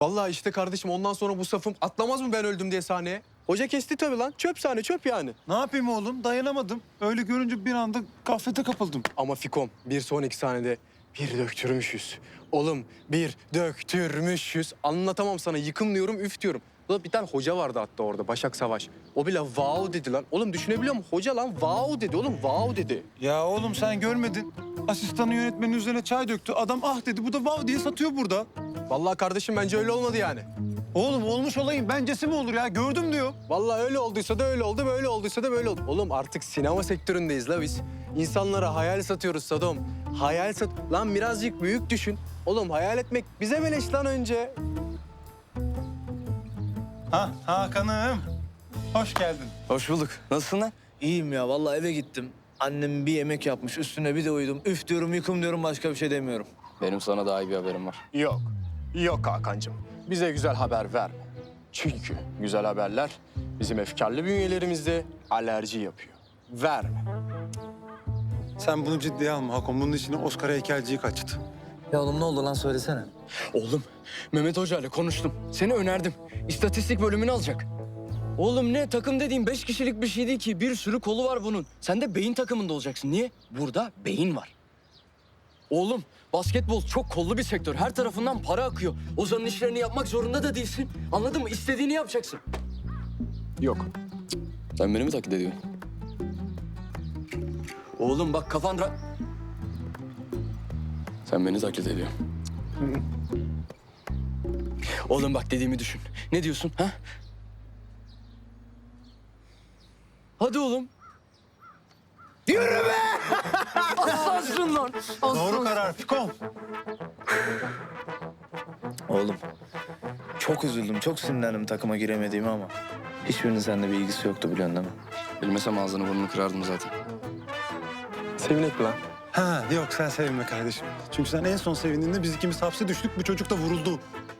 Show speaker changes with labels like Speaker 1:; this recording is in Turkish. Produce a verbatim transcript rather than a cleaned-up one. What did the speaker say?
Speaker 1: Vallahi işte kardeşim ondan sonra bu safım atlamaz mı ben öldüm diye sahneye? Hoca kesti tabii lan. Çöp sahne çöp yani.
Speaker 2: Ne yapayım oğlum? Dayanamadım. Öyle görünce bir anda gaflete kapıldım.
Speaker 1: Ama Fikom bir sonraki sahnede bir döktürmüşüz. Oğlum bir döktürmüşüz. Anlatamam sana, yıkım diyorum, üf diyorum. Ulan bir tane hoca vardı hatta orada, Başak Savaş. O bile wow dedi lan. Oğlum düşünebiliyor musun? Hoca lan wow dedi oğlum, wow dedi.
Speaker 2: Ya oğlum sen görmedin. Asistanı yönetmenin üzerine çay döktü. Adam ah dedi. Bu da vav diye satıyor burada.
Speaker 1: Vallahi kardeşim bence öyle olmadı yani.
Speaker 2: Oğlum olmuş olayım. Bencesi mi olur ya? Gördüm diyor.
Speaker 1: Vallahi öyle olduysa da öyle oldu, böyle olduysa da böyle oldu. Oğlum artık sinema sektöründeyiz la biz. İnsanlara hayal satıyoruz Sadom. Hayal sat... Lan birazcık büyük düşün. Oğlum hayal etmek bize beleş lan önce.
Speaker 2: Ha Hakan'ım. Hoş geldin.
Speaker 3: Hoş bulduk. Nasılsın lan?
Speaker 4: İyiyim ya vallahi eve gittim. Annem bir yemek yapmış üstüne bir de uyudum. Üf diyorum yıkım diyorum başka bir şey demiyorum.
Speaker 3: Benim sana daha iyi bir haberim var.
Speaker 1: Yok. Yok Hakan'cığım. Bize güzel haber verme. Çünkü güzel haberler bizim efkarlı bünyelerimizde alerji yapıyor. Verme.
Speaker 2: Sen bunu ciddiye alma Hakan. Bunun içine Oscar heykelciyi kaçtı.
Speaker 4: Ya oğlum ne oldu lan söylesene.
Speaker 3: Oğlum, Mehmet Hoca ile konuştum. Seni önerdim. İstatistik bölümünü alacak. Oğlum ne takım dediğin beş kişilik bir şey değil ki. Bir sürü kolu var bunun. Sen de beyin takımında olacaksın. Niye? Burada beyin var. Oğlum basketbol çok kollu bir sektör. Her tarafından para akıyor. Ozan'ın işlerini yapmak zorunda da değilsin. Anladın mı? İstediğini yapacaksın.
Speaker 1: Yok.
Speaker 3: Sen beni mi taklit ediyorsun? Oğlum bak kafan ra... Sen beni taklit ediyorsun. Oğlum bak dediğimi düşün. Ne diyorsun ha? Hadi oğlum. Yürü be! Aslansın lan.
Speaker 2: Doğru
Speaker 3: Aslansın.
Speaker 2: karar Fikon.
Speaker 4: Oğlum çok üzüldüm çok sinirlendim takıma giremediğime ama hiçbirinin seninle bir ilgisi yoktu biliyorsun değil mi?
Speaker 3: Bilmesem ağzını burnunu kırardım zaten.
Speaker 1: Sevinek mi lan?
Speaker 2: Ha yok sen sevinme kardeşim. Çünkü sen en son sevindiğinde biz ikimiz hapse düştük. Bu çocuk da vuruldu.